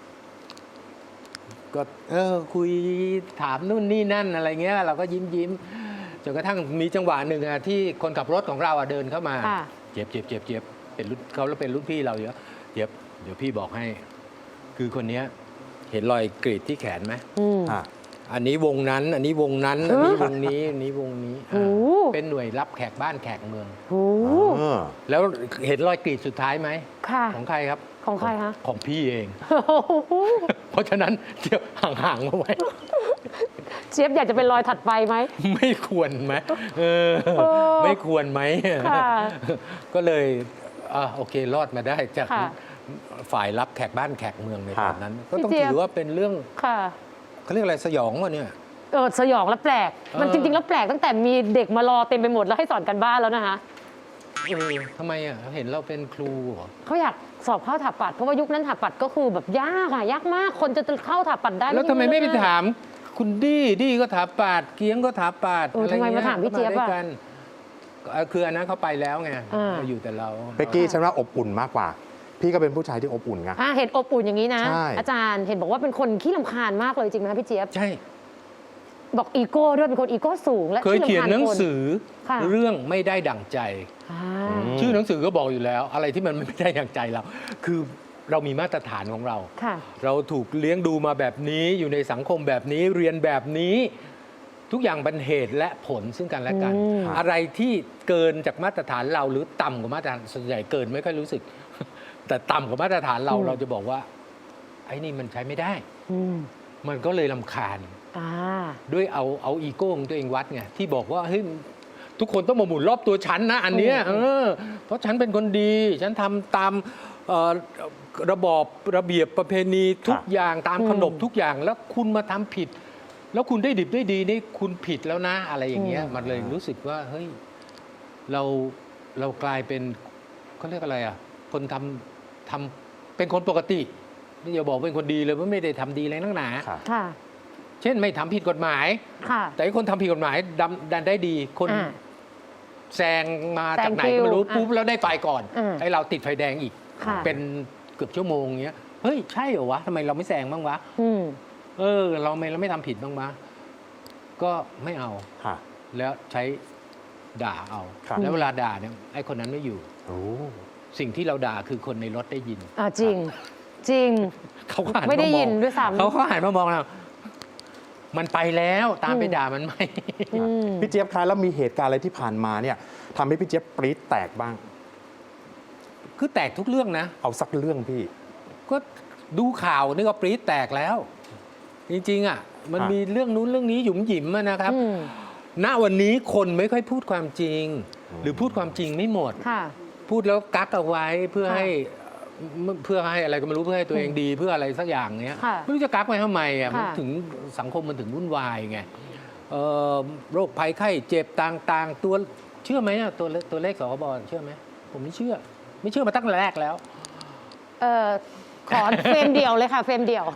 S4: ๆ ก็คุยถามนู่นนี่นั่นอะไรเงี้ยเราก็ยิ้มจนกระทั่งมีจังหวะหนึ่งอะที่คนขับรถของเราอะเดินเข้ามา
S1: ค่ะ
S4: เจ็บเป็นรุ่นเขาแล้วเป็นรุ่นพี่เราเยอะเจ็บเดี๋ยวพี่บอกให้ คือคนเนี้ยเห็นรอยกรีดที่แขนไหม
S1: อืม
S2: อ่ะ
S4: อันนี้วงนั้น อันนี้วงนั้น อันนี้วงนี้ อันนี้วงนี้
S1: โอ้
S4: เป็นหน่วยรับแขกบ้านแขกเมือง
S1: โห
S2: เออ
S4: แล้วเห็นรอยกรีดสุดท้ายไหม
S1: ค่ะ
S4: ของใครครับ
S1: ของใครคะ
S4: ของพี่เอง
S1: โอ้โห
S4: เพราะฉะนั้นเดี๋ยวห่างๆมาไว้
S1: เจี๊ยบอยากจะเป็นรอยถัดไปไหม
S4: ไม่ควรไหมเออ
S1: เออ
S4: ไม่ควรไหม
S1: ค่ะ
S4: ก็เลยโอเครอดมาได้จาก
S1: ค่ะ
S4: ฝ่ายรับแขกบ้านแขกเมืองในตอนนั้น ก็ต้อง
S1: พี่เจี๊ยบ
S4: ถือว่าเป็นเรื่อง
S1: ค่ะ
S4: เขาเรียกอะไรสยองวะเนี่ย
S1: สยองและแปลก มันจริงๆแล้วแปลกตั้งแต่มีเด็กมารอเต็มไปหมดแล้วให้สอนกันบ้านแล้วนะคะ
S4: ทำไมอ่ะเห็นเราเป็นครูเหรอ
S1: เขาอยากสอบเข้าถาปัดเพราะว่ายุคนั้นถาปัดก็คือแบบยากอะยากมากคนจะเข้าถาปัดได้
S4: แล้วทำไมไม่ไป
S1: ใช่เรื่องง่ย
S4: ถามคุณดี้ก็ถาปาดเกียงก็ถาปาด
S1: ทำไมมาถามพี่เจี๊ยบ
S4: ก็
S1: อะ
S4: ด้วยกันคืออันนั้นเขาไปแล้วไง
S1: อ่า
S4: อยู่แต่เรา
S2: เบกกี้ฉันว่าอบอุ่นมากกว่า พี่ก็เป็นผู้ชายที่อบอุ่นไง
S1: เห็นอบอุ่นอย่างนี้นะ
S2: ใช่
S1: อาจารย์เห็นบอกว่าเป็นคนขี้รำคาญมากเลยจริงไหมคะพี่เจี๊ยบ
S4: ใช่
S1: บอกอีโก้ด้วยเป็นคนอีโก้สูงและ
S4: เคย
S1: ขี้รำคาญ
S4: เขียนหนังสือ
S1: ค่ะ
S4: เรื่องไม่ได้ดั่งใจ
S1: อ่า
S4: ชื่อหนังสือก็บอกอยู่แล้ว อะไรที่มันไม่ได้ดั่งใจเรา คือเรามีมาตรฐานของเรา
S1: ค่ะ
S4: เราถูกเลี้ยงดูมาแบบนี้อยู่ในสังคมแบบนี้เรียนแบบนี้ ทุกอย่างเป็นเหตุและผลซึ่งกันและกัน
S1: อืม
S4: อะไรที่เกินจากมาตรฐานเราหรือต่ำกว่ามาตรฐานส่วนใหญ่เกินไม่ค่อยรู้สึก แต่ต่ำกว่ามาตรฐานเราเราจะบอกว่า ไอ้นี่มันใช้ไม่ได้
S1: อืม
S4: มันก็เลยรำคาญ
S1: อ่า
S4: ด้วยเอาอีโก้ของตัวเองวัดไงที่บอกว่าเฮ้ยทุกคนต้องมาหมุนรอบตัวฉันนะ อันเนี้ยเพราะฉันเป็นคนดี ฉันทำตามระบอบระเบียบประเพณีทุกอย่างตามขนบทุกอย่างแล้วคุณมาทำผิด แล้วคุณได้ดิบได้ดีนี่คุณผิดแล้วนะ อะไรอย่างเงี้ยมันเลยรู้สึกว่าเฮ้ยเรากลายเป็นเขาเรียกอะไรอ่ะคนทำเป็นคนปกตินี่อย่าบอกเป็นคนดีเลยว่าไม่ได้ทำดีอะไรนักหนา
S2: ค่ะ
S1: ค่ะ
S4: เช่นไม่ทำผิดกฎหมาย
S1: ค่ะ
S4: แต่คนทำผิดกฎหมายดันได้ดี คน
S1: อ่า
S4: แซงมาจากไหน
S1: แซงคิว
S4: ก็ไม่รู้
S1: อ่ะ
S4: ปุ๊บแล้วได้ไฟก่อน
S1: อืม
S4: ไอ้เราติดไฟแดงอีก
S1: ค่ะ
S4: เป็นเกือบชั่วโมงเงี้ยเฮ้ยใช่เหรอวะทำไมเราไม่แซงบ้างวะ
S1: อืม
S4: เราไม่ทำผิดบ้างวะก็ไม่เอา
S2: ค่ะ
S4: แล้วใช้ด่าเอา
S2: ครับ
S4: แล้วเวลาด่าเนี่ยไอ้คนนั้นไม่อยู่
S2: โอ้
S4: สิ่งที่เราด่าคือคนในรถได้ยิน
S1: จริง จริง
S4: เขาก็หัน
S1: ไม่ได้
S4: ามอง
S1: ยินด้วยซ้ำ
S4: เขาหันมามองเรามันไปแล้วตามไปด่ามันไหม
S1: อืม
S2: พี่เจี๊ยบคะแล้วมีเหตุการณ์อะไรที่ผ่านมาเนี่ยทำให้พี่เจี๊ยบปรี๊ดแตกบ้าง
S4: คือแตกทุกเรื่องนะ
S2: เอาสักเรื่องพี่
S4: ก็ดูข่าวนี่ก็ปรี๊ดแตกแล้ว จริงๆอ่ะมัน
S2: ครับ
S4: มีเรื่องนู้นเรื่องนี้หยุมหยิมอะนะครับ
S1: อืม
S4: ณวันนี้คนไม่ค่อยพูดความจริง หรือพูดความจริงไม่หมด
S1: ค่ะ
S4: พูดแล้วกักเอาไว้เพื่อ
S1: ค่ะ
S4: ให้อะไรก็ไม่รู้เพื่อให้ตัวเองดีเพื่ออะไรสักอย่างเนี้ย
S1: ค่ะ
S4: ไม่รู้จะกักไว้ทำไมอ่ะ
S1: ค่ะ
S4: มันถึงสังคมมันถึงวุ่นวายไงโรคภัยไข้เจ็บต่างๆ ตัวเชื่อไหมอะตัวเลขสคบเชื่อไหมผมไม่เชื่อมาตั้งแต่แรกแล้ว
S1: ขอเฟรมเดียวเลยค่ะเฟรมเดียว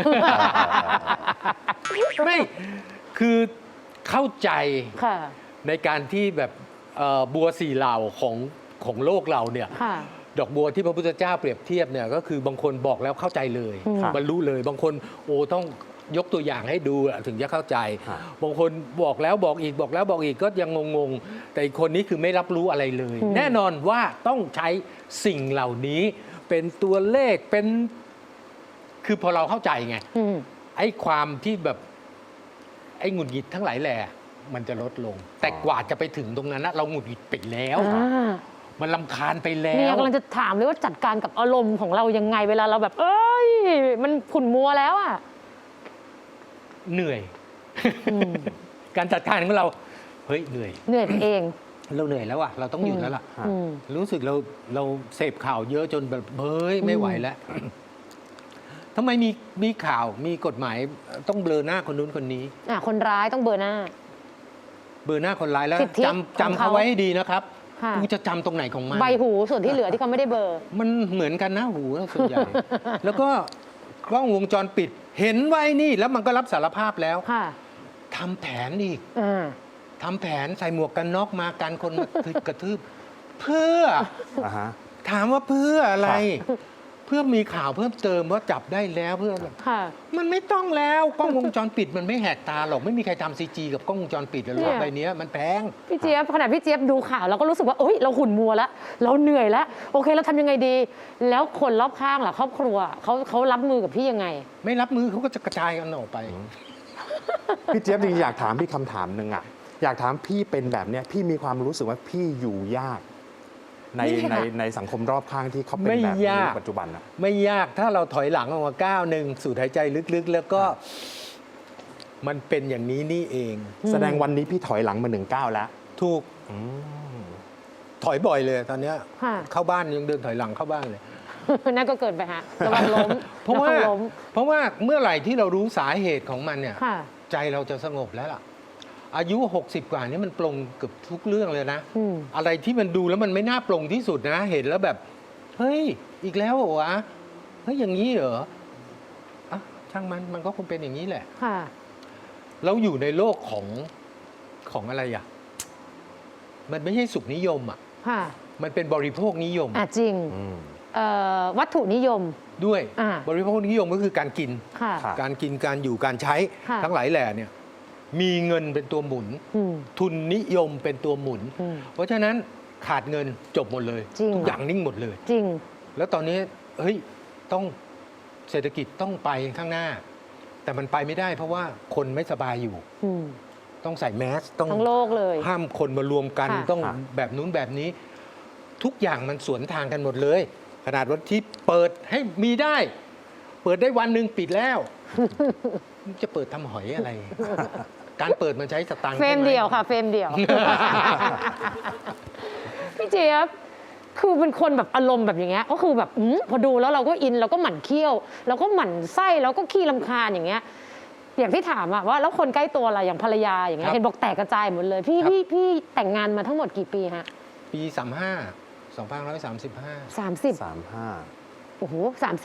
S4: ไม่คือเข้าใจ
S1: ค่ะ
S4: ในการที่แบบบัวสี่เหล่าของโลกเราเนี่ย
S1: ค่ะ
S4: ดอกบัวที่พระพุทธเจ้าเปรียบเทียบเนี่ยก็คือบางคนบอกแล้วเข้าใจเลย
S1: อืม
S4: บรรลุเลยบางคนต้องยกตัวอย่างให้ดูถึงจะเข้าใจ
S2: ครับ
S4: บางคนบอกแล้วบอกอีกบอกแล้วบอกอีกก็ยังงงๆแต่อีกคนนี้คือไม่รับรู้อะไรเลย แน่นอนว่าต้องใช้สิ่งเหล่านี้เป็นตัวเลขเป็นคือพอเราเข้าใจไง
S1: อืม
S4: ไอ้ความที่แบบอ้หงุดหงิดทั้งหลายแหล่มันจะลดลง แต่กว่าจะไปถึงตรงนั้นนะเราหงุดหงิดไปแล้ว
S1: อ่า
S4: มันรำคาญไปแล้
S1: เนี่ยว กำลังจะถามเลยว่าจัดการกับอารมณ์ของเรายังไงเวลาเราแบบ เอ้ย มันขุ่นมัวแล้วอ่ะ
S4: เหนื่อย
S1: อืม
S4: การจัดการของเราเฮ้ยเหนื่อย
S1: เหนื่อยเอง
S4: เราเหนื่อยแล้วอะเราต้องหยุดแล้วล่ะ
S1: อืม
S4: รู้สึกเราเสพข่าวเยอะจนแบบเฮ้ยไม่ไหวแล้วทำไมมีข่าวมีกฎหมายต้องเบลอหน้าคนนู้นคนนี้
S1: คนร้ายต้องเบอร์หน้า
S4: เบลอหน้าคนร้ายแล้ว
S1: สิทธิของ
S4: จำ
S1: เขา
S4: เขาไว้ให้ดีนะครับ
S1: ค่ะ
S4: กูจะจำตรงไหนของมัน
S1: ใบหูส่วนที่เหลือที่เขาไม่ได้เบอร์
S4: มันเหมือนกันนะหูส่วนใหญ่ แล้วก็กล้องวงจรปิด เห็นไว้นี่แล้วมันก็รับสารภาพแล้ว
S1: ค่ะ
S4: ทำแผนอีก
S1: อ่า
S4: ทำแผนใส่หมวกกันน็อกมากันคนมากระทืบ เพื่อ
S2: อ่าฮะ
S4: ถามว่าเพื่ออะไร
S2: ครับ
S4: เพื่อมีข่าวเพิ่มเติมว่าจับได้แล้วเพื่อ
S1: ค่ะ
S4: มันไม่ต้องแล้วกล้องวงจรปิดมันไม่แหกตาหรอกไม่มีใครทำซีจีกับกล้องวงจรปิดหรอก
S1: เนี่ย
S4: ใบเนี้ยมันแพง
S1: พี่เจี๊ยบขนาดพี่เจี๊ยบดูข่าวเราก็รู้สึกว่าเอ้ยเราขุ่นมัวแล้ว เราเหนื่อยแล้ว โอเคเราทำยังไงดี แล้วคนรอบข้างล่ะครอบครัวเขารับมือกับพี่ยังไง
S4: ไม่รับมือเขาก็จะกระจายกันออกไป
S2: พี่เจี๊ยบจริงๆอยากถามพี่คำถามหนึ่งอะอยากถามพี่เป็นแบบเนี้ยพี่มีความรู้สึกว่าพี่อยู่ยาก ใน
S1: ไม่ค่ะ
S2: ในสังคมรอบข้างที่เขาเป็น
S4: ไม่
S2: แบบนี้
S4: ยาก
S2: ในปัจจุบันอะ
S4: ไม่ยากถ้าเราถอยหลังออกมาก้าวหนึ่งสูดหายใจลึกๆ แล้วก็มันเป็นอย่างนี้นี่เอง
S2: แสดงวันนี้พี่ถอยหลังมา1 ก้าวแล้ว
S4: ถูก
S2: อืม
S4: ถอยบ่อยเลยตอนเนี้ย
S1: ค่ะ
S4: เข้าบ้านยังเดินถอยหลังเข้าบ้านเลย
S1: นั่นก็เกินไปฮะระวังล้ม
S4: เพราะว่า
S1: วังล้ม
S4: เมื่อไหร่ที่เรารู้สาเหตุของมันเนี่ย
S1: ค่ะ
S4: ใจเราจะสงบแล้วล่ะ อายุ 60 กว่านี้มันปลงเกือบทุกเรื่องเลยนะ
S1: อืม
S4: อะไรที่มันดูแล้วมันไม่น่าปลงที่สุดนะ เห็นแล้วแบบ เฮ้ย อีกแล้วเหรอวะ เฮ้ย อย่างนี้เหรออ่ะช่างมันก็คงเป็นอย่างนี้แหละ
S1: ค่ะ
S4: เราอยู่ในโลกของอะไรอ่ะ มันไม่ใช่สุขนิยมอ่ะ
S1: ค่ะ
S4: มันเป็นบริโภคนิยม
S1: จริง
S2: อืม
S1: วัตถุนิยม
S4: ด้วย
S1: อ่า
S4: บริโภคนิยมก็คือการกิน
S1: ค่ะ
S2: ครับ
S4: การกินการอยู่การใช้
S1: ค่ะ
S4: ทั้งหลายแหล่เนี่ย มีเงินเป็นตัวหมุน
S1: อืม
S4: ทุนนิยมเป็นตัวหมุน
S1: อืม
S4: เพราะฉะนั้นขาดเงินจบหมดเลย
S1: จริง
S4: ทุกอย่างนิ่งหมดเลย
S1: จริง
S4: แล้วตอนนี้เฮ้ยต้องเศรษฐกิจต้องไปข้างหน้า แต่มันไปไม่ได้เพราะว่าคนไม่สบายอยู่
S1: อืม
S4: ต้องใส่แมสต้อง
S1: ทั้งโลกเลย
S4: ห้ามคนมารวมกัน
S1: ค่ะ
S4: ต้อง
S2: ค่ะ
S4: แบบนู้นแบบนี้ ทุกอย่างมันสวนทางกันหมดเลย ขนาดวันที่เปิดให้มีได้ เปิดได้วันหนึ่งปิดแล้ว จะเปิดทำหอยอะไร การเปิดมันใช้สตังค์
S1: เฟรม
S4: ใช่ไห
S1: เดียวค่ะ เฟรมเดียว พี่เจี๊ยบคือเป็นคนแบบอารมณ์แบบอย่างเงี้ยก็คือแบบพอดูแล้วเราก็อินเราก็หมั่นเคี้ยวเราก็หมั่นไส้เราก็ขี้รำคาญอย่างเงี้ย อย่างที่ถามอะว่าแล้วคนใกล้ตัวอะไรอย่างภรรยาอย่างเงี้ยเห็นบอกแตกกระจายหมดเลย พี่แต่งงานมาทั้งหมดกี่ปีฮะ
S4: ปี 35 2535
S1: 30
S2: 35
S1: โอ้โห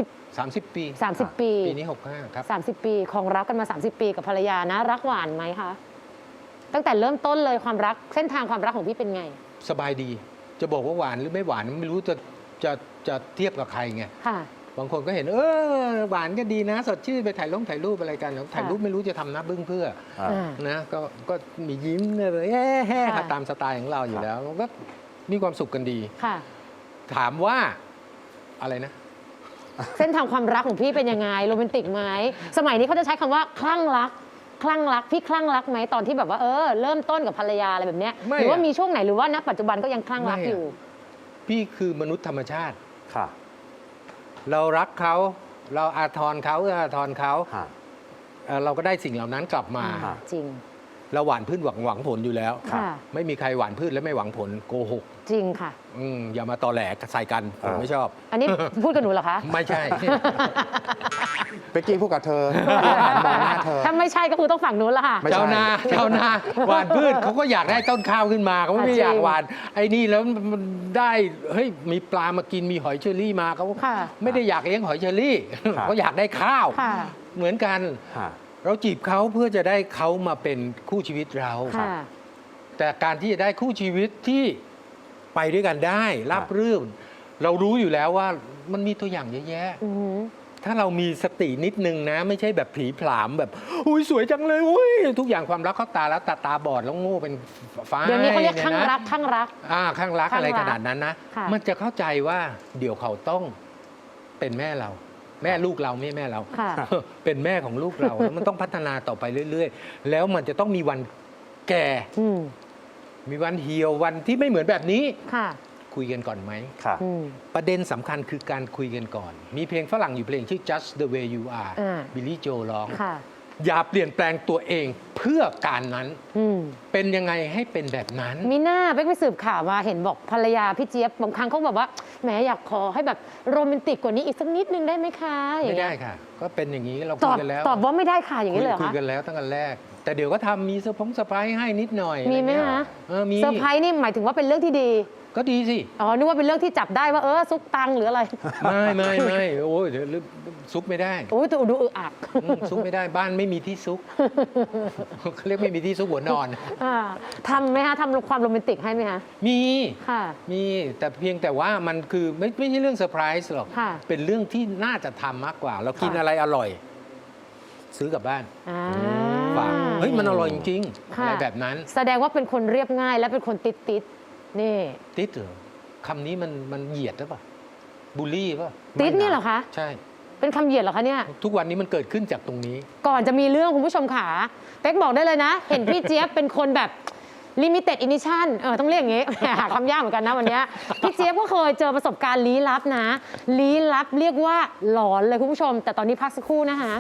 S4: 30 ปี
S1: 30 ปี
S4: ปีนี้ 65 ครับ
S1: 30 ปีครองรักกันมา 30 ปีกับภรรยานะ รักหวานไหมคะตั้งแต่เริ่มต้นเลยความรักเส้นทางความรักของพี่เป็นไง
S4: สบายดี จะบอกว่าหวานหรือไม่หวานไม่รู้จะเทียบกับใครไง
S1: ค่ะ
S4: บางคนก็เห็นหวานก็ดีนะ สดชื่นไปถ่ายรูปอะไรกันแล้วถ่ายรูปไม่รู้จะทำหน้าบึ้งเพื่อ
S2: อ่า
S4: นะก็มียิ้มเลยแฮ่ๆตามสไตล์ของเราอยู่แล้วก็มีความสุขกันดี
S1: ค่ะ
S4: ถามว่าอะไรนะ
S1: เส้นทางความรักของพี่เป็นยังไงโรแมนติกไหมสมัยนี้เขาจะใช้คำว่าคลั่งรักพี่คลั่งรักไหมตอนที่แบบว่าเริ่มต้นกับภรรยาอะไรแบบเนี้ย
S4: ไม่
S1: หรือว่า
S4: อะ
S1: มีช่วงไหนหรือว่าณปัจจุบันก็ยังคลั่งรัก
S4: ไม่อะ
S1: อยู่
S4: พี่คือมนุษย์ธรรมชาติ
S2: ค่ะ
S4: เรารักเขาเราอาทรเขาอาทรเขา
S2: ค่ะ
S4: เราก็ได้สิ่งเหล่านั้นกลับมา
S2: ค่ะ
S1: จริง
S4: เราหวานพืชหวังผลอยู่แล้ว
S1: ค่ะ
S4: ไม่มีใครหวานพืชและไม่หวังผลโกหก
S1: จริงค่ะ
S4: อย่ามาตอแหลใส่กันผมไม่ชอบ
S1: อันนี้พูดกับหนูเหรอคะ
S4: ไม่ใช่
S2: เป๊กกี้พูดกับเธอหันมองหน้าเธอ
S1: ถ้าไม่ใช่ก็คือต้องฝั่งนู้นละค่ะ
S2: ไม่ใช่
S4: ชาวนาหวานพืชเขาก็อยากได้ต้นข้าวขึ้นมาเขาไม่
S1: จริง
S4: อยากหวานไอ้นี่แล้วมันได้เฮ้ยมีปลามากินมีหอยเชอรี่มาเขา
S1: ค่ะ
S4: ไม่ได้อยากเลี้ยงหอยเชอรี่
S2: ครับ
S4: เขาอยากได้ข้าว
S1: ค่ะ
S4: เหมือนกัน
S2: ค่ะ
S4: เราจีบเขาเพื่อจะได้เขามาเป็นคู่ชีวิตเรา
S1: ค่ะ
S4: แต่การที่จะได้คู่ชีวิตที่ไปด้วยกันได้ราบรื่นเรารู้อยู่แล้วว่ามันมีตัวอย่างเยอะแยะ
S1: อือหือ
S4: ถ้าเรามีสตินิดนึงนะ ไม่ใช่แบบผีผลามแบบอุ้ยสวยจังเลยอุ้ยทุกอย่างความรักเขาตาแล้วตาบอดแล้วโง่เป็นฟ้า
S1: เดี๋ยวนี้เขาเรียก
S4: นี่
S1: ข้าง
S4: นะ
S1: รักข้างรัก
S4: ข้างรัก
S1: ข้างรัก
S4: อะไรขนาดนั้นนะ
S1: ค่ะ
S4: มันจะเข้าใจว่าเดี๋ยวเขาต้องเป็นแม่เราแม่ลูกเราไม่แม่เรา
S1: ค่ะ
S4: เป็นแม่ของลูกเราแล้วมันต้องพัฒนาต่อไปเรื่อยๆ แล้วมันจะต้องมีวันแก่
S1: อืม
S4: มีวันเหี่ยววันที่ไม่เหมือนแบบนี้
S1: ค่ะ
S4: คุยกันก่อนไหม
S2: ค่ะ
S1: อืม
S4: ประเด็นสำคัญคือการคุยกันก่อน มีเพลงฝรั่งอยู่เพลงชื่อ Just the way you are บิลลี่โจร้อง
S1: ค่ะ
S4: อย่าเปลี่ยนแปลงตัวเองเพื่อการนั้น
S1: อืม
S4: เป็นยังไงให้เป็นแบบนั้น
S1: มีหน้าเป๊กไปสืบข่าวมาเห็นบอกภรรยาพี่เจี๊ยบบางครั้งเขาแบบว่าแหมอยากขอให้แบบโรแมนติกกว่านี้อีกสักนิดนึงได้ไหมคะอย่า
S4: ไม่
S1: งเงี้
S4: ได้
S1: ย
S4: ค่ะ ก็เป็นอย่างนี้เรา
S1: ต
S4: คุ
S1: อย บ
S4: กันแล้ว
S1: ตอบว่าไม่ได้ค่ะอย่างนี้เลยเหรอ
S4: คุย
S1: คะ
S4: กันแล้วตั้งแต่แรก แต่เดี๋ยวก็ทำมีเซอร์ไพรส์ให้นิดหน่อย
S1: มีไหม
S4: อรเงี้ย
S1: คะ
S4: มี
S1: เซอร์ไพรส์นี่หมายถึงว่าเป็นเรื่องที่ดี
S4: ก็ดีสิ
S1: อ๋อนึกว่าเป็นเรื่องที่จับได้ว่าซุกตังค์หรืออะไร
S4: ไม่โอ้ยเดี๋ยวซุกไม่ได้
S1: โอ้ยแต่ดูอึอัก
S4: ซุกไม่ได้บ้านไม่มีที่ซุก เขาเรียกไม่มีที่ซุกหัวนอน
S1: อ่าทำไหมคะทำความโรแมนติกให้ไหมคะ
S4: มี
S1: ค่ะ
S4: มีแต่เพียงแต่ว่ามันคือไม่ใช่เรื่องเซอร์ไพรส์หรอก
S1: ค่ะ
S4: เป็นเรื่องที่น่าจะทำมากกว่า เรากินอะไรอร่อย ซื้อกลับบ้าน
S1: อ่า
S4: ฝากเฮ้ยมันอร่อยจริงๆ
S1: ค่ะ
S4: อะไรแบบนั้น
S1: แสดงว่าเป็นคนเรียบง่ายและเป็นคนติดนี่
S4: ติดเหรอคำนี้มันเหยียดหรือเปล่าบูลลี่ป่ะ
S1: ติดนี่เหรอคะ
S4: ใช่
S1: เป็นคำเหยียดเหรอคะเนี่ย
S4: ทุกวันนี้มันเกิดขึ้นจากตรงนี้
S1: ก่อนจะมีเรื่องคุณผู้ชมขาเป๊กบอกได้เลยนะ เห็นพี่เจี๊ยบเป็นคนแบบ limited edition ต้องเรียกอย่างงี้ หาคำยากเหมือนกันนะวันเนี้ยพี่เจี๊ยบก็เคยเจอประสบการณ์ลี้ลับนะ ลี้ลับเรียกว่าหลอนเลยคุณผู้ชม แต่ตอนนี้พักสักครู่นะคะ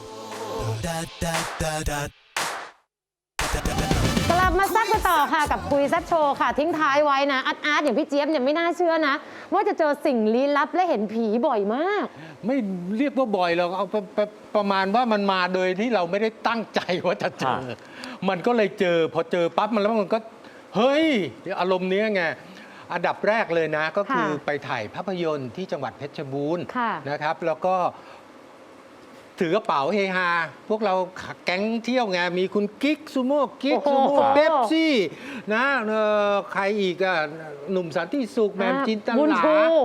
S1: กลับมาซักกันต่อค่ะกับคุยแซ่บโชว์ค่ะ ทิ้งท้ายไว้นะอาร์ตอย่างพี่เจี๊ยบเนี่ยไม่น่าเชื่อนะ ว่าจะเจอสิ่งลี้ลับและเห็นผีบ่อยมาก
S4: ไม่เรียกว่าบ่อยเราเอาประมาณว่ามันมาโดยที่เราไม่ได้ตั้งใจว่าจะเจอ มันก็เลยเจอพอเจอปั๊บมันแล้วมันก็เฮ้ยอารมณ์เนี้ยไงอันดับแรกเลยนะ ก็คือ
S1: ค่ะ
S4: ไปถ่ายภาพยนตร์ที่จังหวัดเพชรบูรณ์
S1: ค่ะ
S4: นะครับ แล้วก็ถือกระเป๋าเฮฮาพวกเราแก๊งเที่ยวไงมีคุณกิ๊กซูโม่กิ๊ก
S1: โอ้
S4: ซู
S1: โห
S4: โม่เป๊ปซี่นะใครอีกอะหนุ่มสันติสุขแหมมจินต
S1: บุญ
S4: ลา
S1: ชู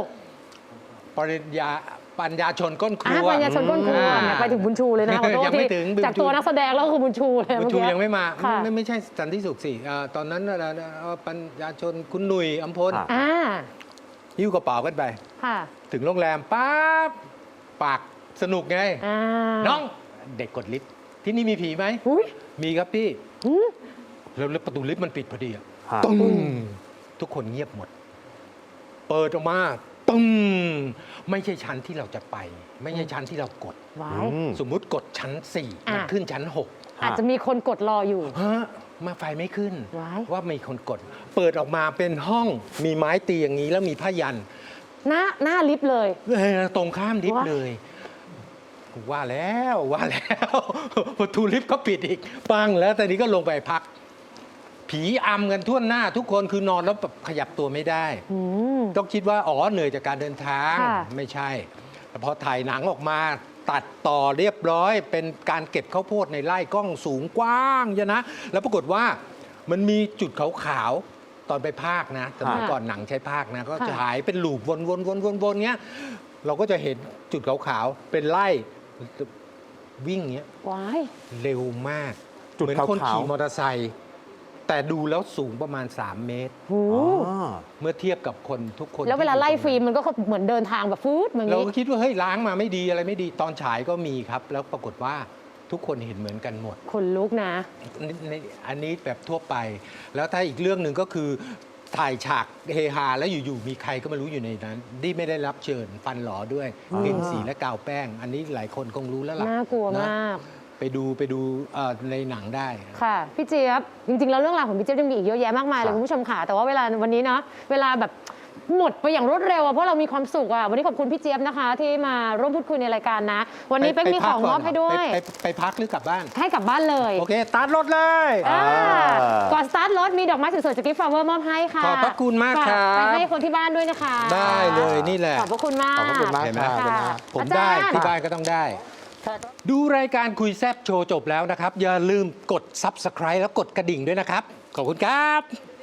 S4: ปัญญาชนก้นครัว
S1: ปัญญาชนก้นครัวเนี่ยไปถึงบุญชูเลยนะขอโทษ
S4: ยังไม่
S1: ที่
S4: ถึงบุญชู
S1: จากตัวนักแสดงแล้วก็คือบุญชูเลย
S4: บุญ
S1: เมื่อ
S4: ชู
S1: กี้
S4: ยังไม่มา
S1: ค่ะ
S4: ไม่ใช่สันติสุขสิตอนนั้นปัญญาชนคุณหนุ่ยอัมพล
S2: อ่า
S4: หิ้วกระเป๋ากันไป
S1: ค่ะ
S4: ถึงโรงแรมปั๊บปากสนุกไง
S1: อ่า
S4: น้องเด็กกดลิฟต์ที่นี่มีผีไหม
S1: อุ้ย
S4: มีครับพี่
S1: หืม
S4: แล้วประตูลิฟต์มันปิดพอดีอะ
S2: ฮะ
S4: ตึ้งทุกคนเงียบหมด เปิดออกมาตึ้งไม่ใช่ชั้นที่เราจะไป ไม่ใช่ชั้นที่เรากด
S1: ไว้
S4: สมมุติกดชั้น 4 มัน
S1: อ่ะ
S4: ขึ้นชั้น
S1: อาจจะมีคนกดรออยู่
S4: 6ฮะมาไฟไม่ขึ้น
S1: ว้าย
S4: ว่ามีคนกด เปิดออกมาเป็นห้องมีไม้ตีอย่างนี้แล้วมีผ้ายัน
S1: หน้าลิฟต์เลย
S4: ตรงข้ามลิฟต์
S1: ว้าย
S4: เลยว่าแล้วประตูลิฟต์ก็ปิดอีกปังแล้วตอนนี้ก็ลงไปพัก ผีอำกันทั่วหน้าทุกคนคือนอนแล้วแบบขยับตัวไม่ได้
S1: อืม
S4: ต้องคิดว่าเหนื่อยจากการเดินทาง
S1: ค่ะ
S4: ไม่ใช่แต่พอถ่ายหนังออกมาตัดต่อเรียบร้อย เป็นการเก็บข้าวโพดในไร่กล้องสูงกว้างเยอะนะ แล้วปรากฏว่ามันมีจุดขาวๆตอนไปภาคนะสมัยก่อนหนังใช้ภาคนะ ก็จะฉายเป็นลูปวนๆๆๆเงี้ยเราก็จะเห็นจุดขาวๆเป็นไร่วิ่งเงี้ย
S1: ว้าย
S4: เร็วมาก
S2: จุด
S4: เหมือนคน
S2: ขาวๆ
S4: ขี่มอเตอร์ไซค์แต่ดูแล้วสูงประมาณ 3 เมตร
S1: หู
S2: อ๋อ
S4: เมื่อเทียบกับคนทุกคน
S1: แล้วเวลา
S4: ที่อยู่
S1: ไล่
S4: ตรงนั้น
S1: ฟิล์มมันก็เหมือนเดินทางแบบฟืดเหมือน
S4: เรา
S1: นี้
S4: ก็คิดว่าเฮ้ยล้างมาไม่ดีอะไรไม่ดีตอนฉายก็มีครับ แล้วปรากฏว่าทุกคนเห็นเหมือนกันหมด
S1: คนลุกนะ
S4: อันนี้แบบทั่วไป แล้วถ้าอีกเรื่องหนึ่งก็คือถ่ายฉากเฮฮาแล้วอยู่ๆมีใครก็ไม่รู้อยู่ในนั้นที่ไม่ได้รับเชิญฟันหลอด้วยกลิ่นสีและกาวแป้ง อันนี้หลายคนคงรู้แล้วล่ะ
S1: น่ากลัว
S4: นะ
S1: มาก
S4: ไปดูในหนังได้
S1: ค่ะ พี่เจี๊ยบ จริงๆ แล้วเรื่องราวของพี่เจี๊ยบยังมีอีกเยอะแยะมากมายเลยคุณผู้ชมค่ะ แต่ว่าเวลาวันนี้เนาะ เวลาแบบหมดไปอย่างรวดเร็วอะเพราะเรามีความสุขอะวันนี้ขอบคุณพี่เจี๊ยบนะคะ ที่มาร่วมพูดคุยในรายการนะ วันนี้เป๊กมีของมอบให้ด้วย
S4: ไปพักหรือกลับบ้าน
S1: ให้กลับบ้านเลย
S4: โอเคสตาร์ทรถเลย
S1: อ่าก่อนสตาร์ทรถมีดอกไม้สวยๆจากกิฟต์ฟลาเวอร์มอบให้ค่ะ
S4: ขอบพระคุณมากครับ
S1: ฝไปให้คนที่บ้านด้วยนะคะ
S4: ได้เลยนี่แหละ
S1: ขอบพระคุณมาก
S2: ขอบพระคุณมาก
S4: เห็นไหม
S2: ครับ
S1: ค่ะ
S4: ผม
S1: อาจารย์
S4: ได้ที่บ้านก็ต้องได้ ดูรายการคุยแซบโชว์จบแล้วนะครับ อย่าลืมกด Subscribe แล้วกดกระดิ่งด้วยนะครับ ขอบคุณครับ